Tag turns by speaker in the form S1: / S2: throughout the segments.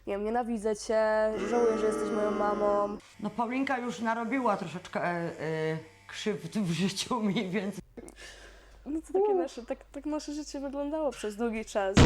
S1: nie wiem, nienawidzę cię, żałuję, że jesteś moją mamą.
S2: No Paulinka już narobiła troszeczkę krzywd w życiu mi, więc
S1: No to takie tak nasze życie wyglądało przez długi czas.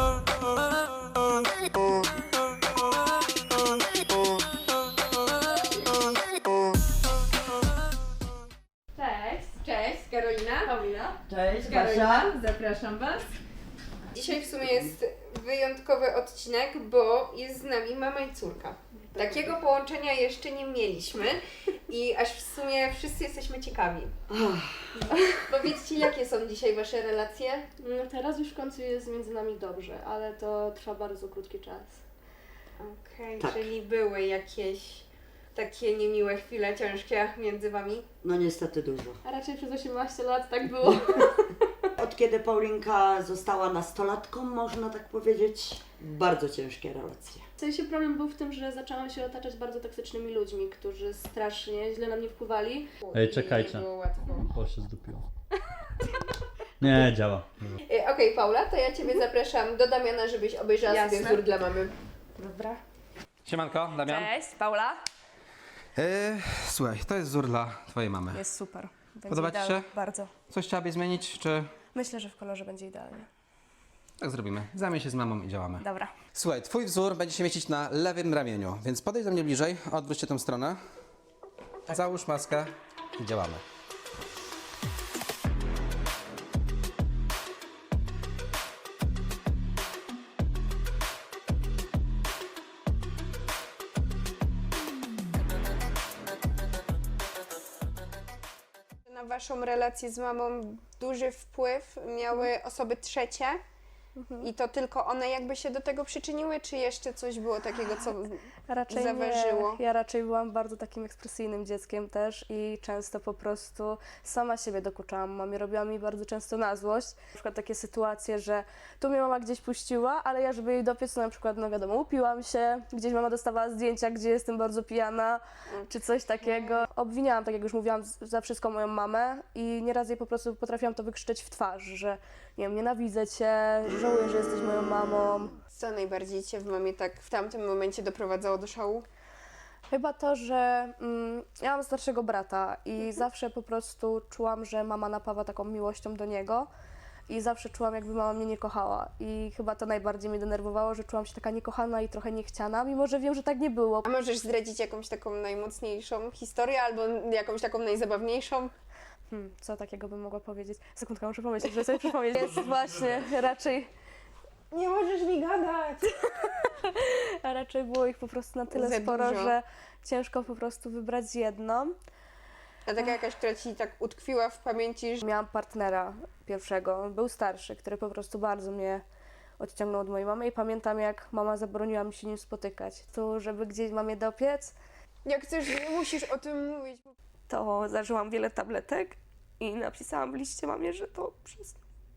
S3: Cześć. Cześć, Karolina.
S1: Paulina?
S2: cześć
S3: Karolina,
S2: Kasia.
S3: zapraszam Was. Dzisiaj w sumie jest wyjątkowy odcinek, bo jest z nami mama i córka. Takiego połączenia jeszcze nie mieliśmy i aż w sumie wszyscy jesteśmy ciekawi. Powiedzcie, jakie są dzisiaj Wasze relacje?
S1: No teraz już w końcu jest między nami dobrze, ale to trwa bardzo krótki czas.
S3: Okej,
S4: Tak.
S3: czyli były jakieś takie niemiłe chwile ciężkie między Wami?
S4: No niestety dużo.
S1: A raczej przez 18 lat tak było.
S4: Od kiedy Paulinka została nastolatką, można tak powiedzieć, bardzo ciężkie relacje.
S1: W sensie problem był w tym, że zaczęłam się otaczać bardzo toksycznymi ludźmi, którzy strasznie źle na mnie wpływali.
S5: Ej,
S3: I
S5: czekajcie.
S3: Nie było łatwo.
S5: O, się zdupiło. Nie, działa.
S3: Okej, Paula, to ja Ciebie zapraszam do Damiana, żebyś obejrzała sobie
S1: Jasne.
S3: wzór dla mamy.
S1: Dobra.
S6: Siemanko, Damian.
S1: Cześć, Paula.
S6: Słuchaj, to jest wzór dla twojej mamy.
S1: Jest super. Będzie
S6: Podoba ci
S1: idealnie.
S6: się?
S1: Bardzo.
S6: Coś chciałabyś zmienić, czy
S1: Myślę, że w kolorze będzie idealnie.
S6: tak zrobimy? Zajmij się z mamą i działamy.
S1: Dobra.
S6: Słuchaj, twój wzór będzie się mieścić na lewym ramieniu, więc podejdź do mnie bliżej, odwróć się tą stronę. Załóż maskę i działamy.
S3: Na Waszą relację z mamą duży wpływ miały osoby trzecie i to tylko one jakby się do tego przyczyniły, czy jeszcze coś było takiego, co
S1: Raczej
S3: zaważyło?
S1: nie. Ja raczej byłam bardzo takim ekspresyjnym dzieckiem też i często po prostu sama siebie dokuczałam mamie. Robiła mi bardzo często na złość. Na przykład takie sytuacje, że tu mnie mama gdzieś puściła, ale ja żeby jej dopiec, to na przykład, no wiadomo, upiłam się, gdzieś mama dostawała zdjęcia, gdzie jestem bardzo pijana, czy coś takiego. Obwiniałam, tak jak już mówiłam, za wszystko moją mamę i nieraz jej po prostu potrafiłam to wykrzyczeć w twarz, że nie wiem, nienawidzę cię, żałuję, że jesteś moją mamą.
S3: Co najbardziej Cię w mamie tak w tamtym momencie doprowadzało do szału?
S1: Chyba to, że ja mam starszego brata i zawsze po prostu czułam, że mama napawa taką miłością do niego i zawsze czułam, jakby mama mnie nie kochała i chyba to najbardziej mnie denerwowało, że czułam się taka niekochana i trochę niechciana, mimo że wiem, że tak nie było.
S3: A możesz zdradzić jakąś taką najmocniejszą historię albo jakąś taką najzabawniejszą?
S1: Co takiego bym mogła powiedzieć? Sekundkę, muszę pomyśleć, że sobie przypomnieć. Jest właśnie raczej,
S3: Nie możesz mi gadać!
S1: a raczej było ich po prostu na tyle
S3: Za
S1: sporo,
S3: dużo.
S1: że ciężko po prostu wybrać jedną.
S3: A taka jakaś, która Ci tak utkwiła w pamięci, że
S1: Miałam partnera pierwszego, on był starszy, który po prostu bardzo mnie odciągnął od mojej mamy i pamiętam, jak mama zabroniła mi się nim spotykać. Tu, żeby gdzieś mamie dopiec,
S3: jak chcesz, nie musisz o tym mówić.
S1: to zażyłam wiele tabletek i napisałam w liście mamie, że to przez...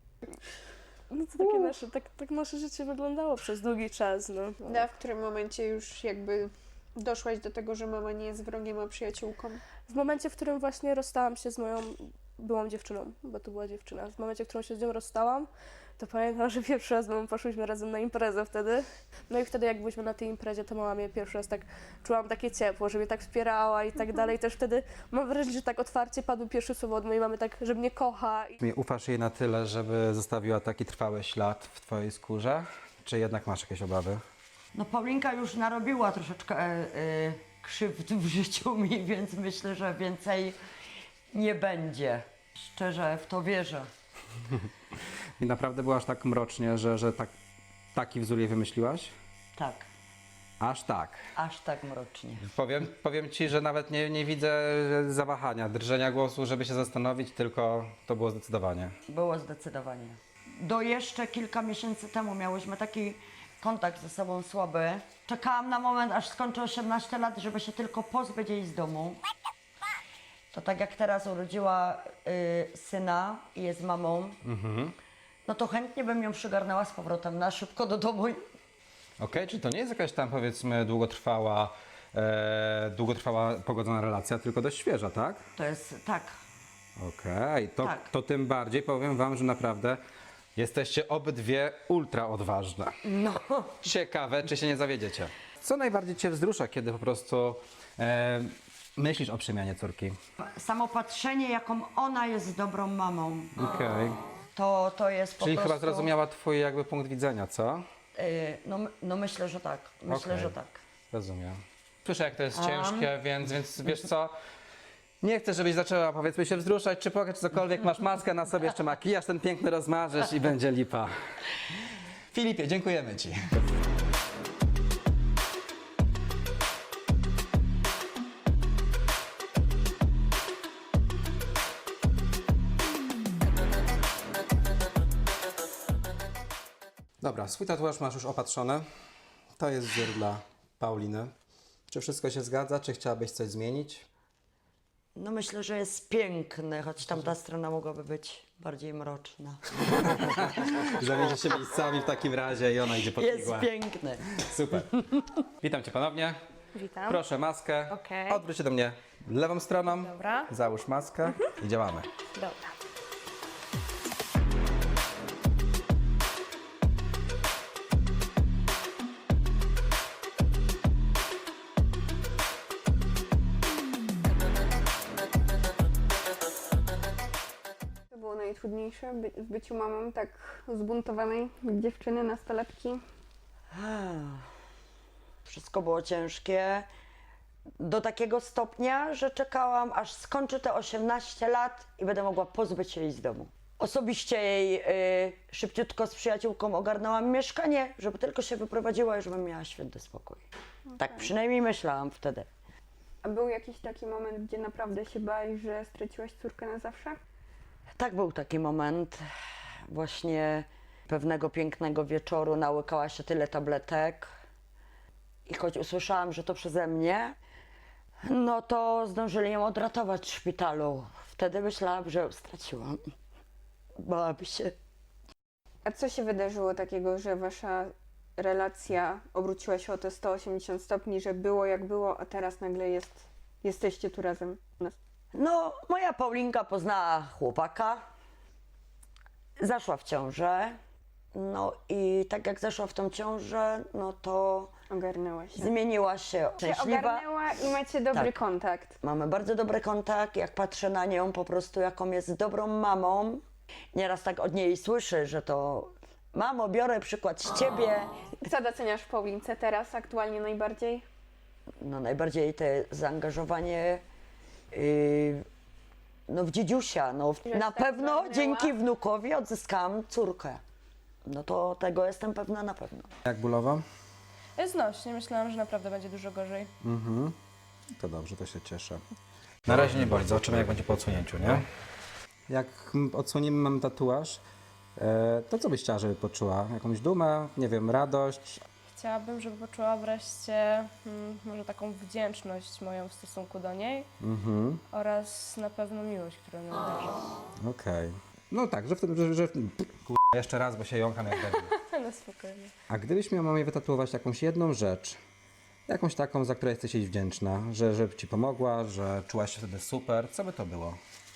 S1: No to takie tak nasze życie wyglądało przez długi czas, no.
S3: A w którym momencie już jakby doszłaś do tego, że mama nie jest wrogiem, a przyjaciółką?
S1: W momencie, w którym właśnie rozstałam się z moją byłą dziewczyną, bo to była dziewczyna. W momencie, w którym się z nią rozstałam, to pamiętam, że pierwszy raz z mamą poszłyśmy razem na imprezę wtedy. No i wtedy, jak byliśmy na tej imprezie, to mama mnie pierwszy raz tak czułam takie ciepło, że mnie tak wspierała i tak dalej. Też wtedy mam wrażenie, że tak otwarcie padły pierwsze słowa od mojej mamy, tak, że mnie kocha.
S6: Ufasz jej na tyle, żeby zostawiła taki trwały ślad w twojej skórze, czy jednak masz jakieś obawy?
S2: No Paulinka już narobiła troszeczkę krzywd w życiu mi, więc myślę, że więcej nie będzie. Szczerze w to wierzę.
S6: I naprawdę było aż tak mrocznie, że taki wzór jej wymyśliłaś?
S2: Tak,
S6: Aż tak.
S2: aż tak mrocznie.
S6: Powiem ci, że nawet nie widzę zawahania, drżenia głosu, żeby się zastanowić, tylko to było zdecydowanie.
S2: Było zdecydowanie. Do jeszcze kilka miesięcy temu miałyśmy taki kontakt ze sobą słaby. Czekałam na moment, aż skończę 18 lat, żeby się tylko pozbyć jej z domu. To tak jak teraz urodziła syna i jest mamą, no to chętnie bym ją przygarnęła z powrotem na szybko do domu.
S6: Okej, czy to nie jest jakaś tam, powiedzmy, długotrwała pogodzona relacja, tylko dość świeża, tak?
S2: To jest tak.
S6: Okej,
S2: Tak.
S6: to tym bardziej powiem wam, że naprawdę Jesteście obydwie ultra odważne.
S2: No.
S6: Ciekawe, czy się nie zawiedziecie. Co najbardziej cię wzrusza, kiedy po prostu myślisz o przemianie córki?
S2: Samo patrzenie, jaką ona jest dobrą mamą,
S6: Okej.
S2: to jest po
S6: Czyli
S2: prostu...
S6: chyba zrozumiała twój jakby punkt widzenia, co?
S2: No myślę, że tak. Myślę,
S6: Okej.
S2: że tak.
S6: Rozumiem. Słyszę, jak to jest ciężkie, więc wiesz co? Nie chcę, żebyś zaczęła, powiedzmy, się wzruszać, czy płakać, czy cokolwiek. Masz maskę na sobie, jeszcze makijaż ten piękny rozmarzysz i będzie lipa. Filipie, dziękujemy ci. Dobra, swój tatuaż masz już opatrzony. To jest wzór dla Pauliny. Czy wszystko się zgadza? Czy chciałabyś coś zmienić?
S2: No myślę, że jest piękny, choć tamta strona mogłaby być bardziej mroczna.
S6: Zamienię się miejscami w takim razie i ona idzie pod
S2: Jest
S6: igłę.
S2: piękny.
S6: Super. Witam cię ponownie.
S1: Witam.
S6: Proszę maskę.
S1: Okej.
S6: Odwróć się do mnie lewą stroną.
S1: Dobra.
S6: Załóż maskę i działamy.
S1: Dobra.
S3: To było najtrudniejsze w byciu mamą tak zbuntowanej dziewczyny, nastolatki.
S2: Wszystko było ciężkie. Do takiego stopnia, że czekałam, aż skończy te 18 lat i będę mogła pozbyć się jej z domu. Osobiście jej szybciutko z przyjaciółką ogarnęłam mieszkanie, żeby tylko się wyprowadziła i żebym miała święty spokój. Tak przynajmniej myślałam wtedy.
S3: A był jakiś taki moment, gdzie naprawdę się bałeś, że straciłaś córkę na zawsze?
S2: Tak, był taki moment. Właśnie pewnego pięknego wieczoru nałykała się tyle tabletek i choć usłyszałam, że to przeze mnie, no to zdążyli ją odratować w szpitalu. Wtedy myślałam, że ją straciłam. Bałabym się.
S3: A co się wydarzyło takiego, że wasza relacja obróciła się o te 180 stopni, że było jak było, a teraz nagle jesteście tu razem?
S2: No, moja Paulinka poznała chłopaka, zaszła w ciążę, no i tak jak zaszła w tą ciążę, no to
S3: Ogarnęła się.
S2: zmieniła się szczęśliwa.
S3: Ogarnęła i macie dobry
S2: Tak.
S3: kontakt.
S2: Mamy bardzo dobry kontakt, jak patrzę na nią po prostu, jaką jest dobrą mamą. Nieraz tak od niej słyszę, że to mamo, biorę przykład z ciebie.
S3: Co doceniasz w Paulince teraz, aktualnie najbardziej?
S2: No najbardziej te zaangażowanie no w dziedziusia. No,
S3: Że
S2: na
S3: tak
S2: pewno
S3: pragnęła?
S2: dzięki wnukowi odzyskałam córkę. No to tego jestem pewna na pewno.
S6: Jak bólowo?
S1: Jest znośnie. Myślałam, że naprawdę będzie dużo gorzej.
S6: To dobrze, to się cieszę. Na razie nie boli, zobaczymy jak będzie po odsunięciu, nie? Jak odsłonimy mam tatuaż, to co byś chciała, żeby poczuła? Jakąś dumę, nie wiem, radość?
S1: Chciałabym, żeby poczuła wreszcie może taką wdzięczność moją w stosunku do niej oraz na pewno miłość, którą ją darzę.
S6: Okej. No tak, że wtedy, jeszcze raz, bo się jąkam jak debil.
S1: No spokojnie.
S6: A gdybyś miała mamie wytatuować jakąś jedną rzecz, jakąś taką, za którą jesteś jej wdzięczna, że ci pomogła, że czułaś się wtedy super, co by to było?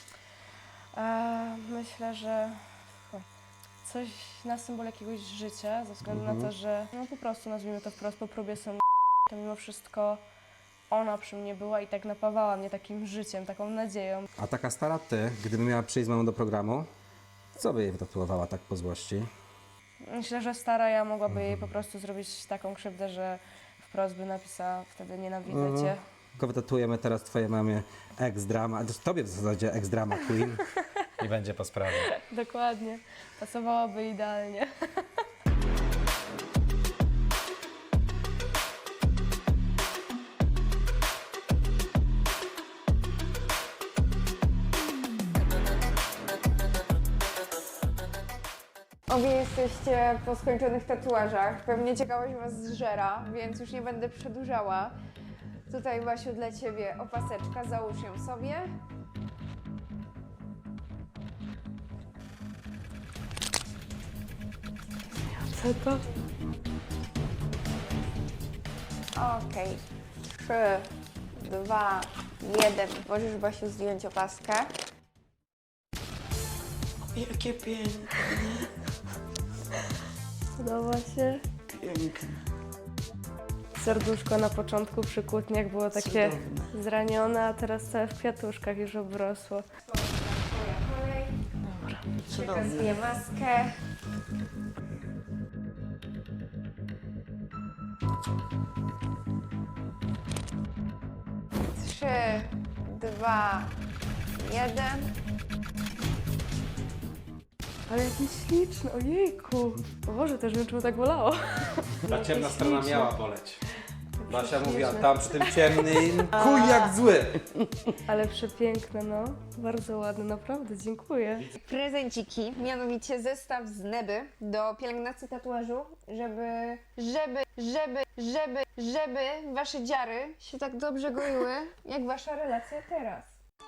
S1: Myślę, że coś na symbol jakiegoś życia, ze względu na to, że no po prostu nazwijmy to wprost, po próbie są to mimo wszystko ona przy mnie była i tak napawała mnie takim życiem, taką nadzieją.
S6: A taka stara ty, gdyby miała przyjść z mamą do programu, co by jej wytatuowała tak po złości?
S1: Myślę, że stara ja mogłaby jej po prostu zrobić taką krzywdę, że wprost by napisała wtedy nienawidzę cię.
S6: Tylko wytatuujemy teraz twojej mamie ex-drama, tobie w zasadzie ex-drama queen i będzie po sprawie.
S1: Dokładnie. Pasowałaby idealnie.
S3: Obie jesteście po skończonych tatuażach. Pewnie ciekawość was zżera, więc już nie będę przedłużała. Tutaj, Basiu, dla ciebie opaseczka, załóż ją sobie.
S1: Co to?
S3: Okej. 3, 2, 1. Możesz, Basiu, zdjąć opaskę.
S2: Jakie piękne.
S1: Podoba się.
S4: Piękne.
S1: Serduszko na początku przy kłótniach było takie
S4: Cudowne.
S1: zranione, a teraz całe w kwiatuszkach już obrosło.
S4: Cudowne.
S3: Pokazuję maskę. Trzy, dwa, jeden.
S1: Ale jaki śliczny, ojejku. O Boże, też wiem, czemu tak bolało.
S6: Ta ciemna strona miała boleć. Basia mówiła,
S1: śliczne.
S6: tam przy tym ciemnym, kuj jak zły.
S1: Ale przepiękne, no. Bardzo ładne, naprawdę, dziękuję.
S3: Prezenciki, mianowicie zestaw z Neby do pielęgnacji tatuażu, żeby wasze dziary się tak dobrze goiły, jak wasza relacja teraz.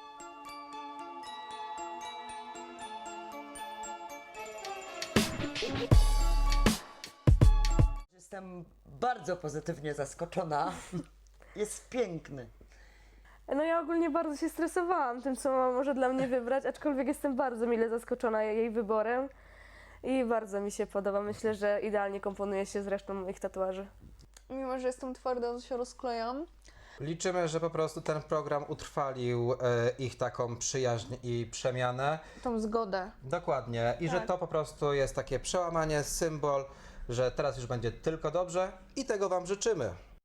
S4: Jestem bardzo pozytywnie zaskoczona. Jest piękny.
S1: No ja ogólnie bardzo się stresowałam tym, co mama może dla mnie wybrać, aczkolwiek jestem bardzo mile zaskoczona jej wyborem i bardzo mi się podoba. Myślę, że idealnie komponuje się z resztą moich tatuaży.
S3: Mimo, że jestem twarda, to się rozklejam.
S6: Liczymy, że po prostu ten program utrwalił ich taką przyjaźń i przemianę.
S3: Tą zgodę.
S6: Dokładnie. I że to po prostu jest takie przełamanie, symbol, że teraz już będzie tylko dobrze i tego Wam życzymy.